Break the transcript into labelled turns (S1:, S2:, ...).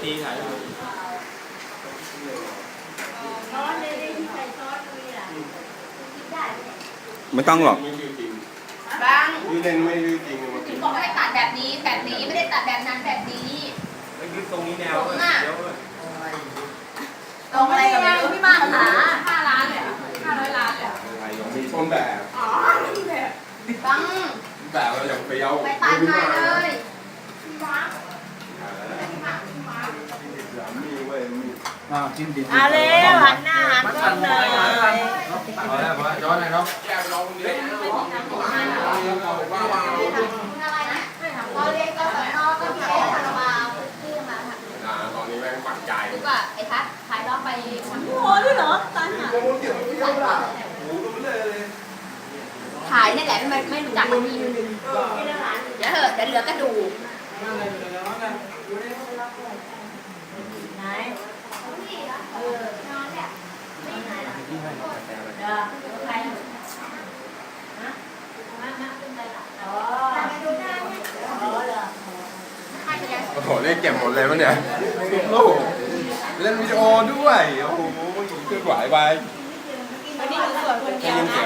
S1: ตีถ่ายรูป
S2: ซอสเลยที่ใส่ซอสเลยอ่ะกินได้ไหม
S3: ไม่ต้องหรอก
S4: ไม่ชื่อจริง
S5: บาง
S4: ชื่อเล่นไม่ชื่อจริงมา
S5: ถึงบอกให้ตัดแบบนี้แบบนี้ไม่ได้ตัดแบบนั้นแบบนี้
S1: ไม่ยึดตรงนี้แนวเดี๋ยว
S5: ตรงอะไรกันไม่รู้พี่มากหา5 ล้านเลยอ่ะ500 ล้านเลยอ่ะ
S4: อะไรมีต้นแบบ
S5: อ๋อนี่แบบบัง
S4: แบบเราอย่างเปรี้ยว
S5: ไปตัดมาเลย
S4: มีเว้ยมี
S1: จิ้มดิบ
S2: เอาเลยหันหน้าหันกล้องเลย
S1: พอแล้วย้อนหน่อยเนาะ
S4: แก้เราคนเดียว
S5: อะไรนะตอนเรียนกศนก็พี่เอ๊คาราบาวชื่อมาค่ะ
S4: ตอนนี้แม่งปักใจ
S5: ดีกว่าไอ้ทัศน์ขายรอบไปคน
S2: โอ้ด้วยเหรอตายหา
S5: ขายนี่แหละไม่รู้จักมันมีเดี๋ยวเถอะเดี๋ยวเหลือกระดูก
S2: ไหน
S5: เออนอนเนี่ยไม่ไหนหรอก
S2: เดี๋ยวใครฮะมาขึ้นไปละอ๋อ
S5: ไปดูหน้าเนี่ย
S2: อ๋อเหรอ
S5: ใครจะยัง
S4: โอ้โหเล่นเก็บหมดเลยมั้งเนี่ยโอ้โหเล่นวิดีโอด้วย โอ้โหเคลื่อนไหวไป
S2: วันนี้คือส่วนคนเดียวนะ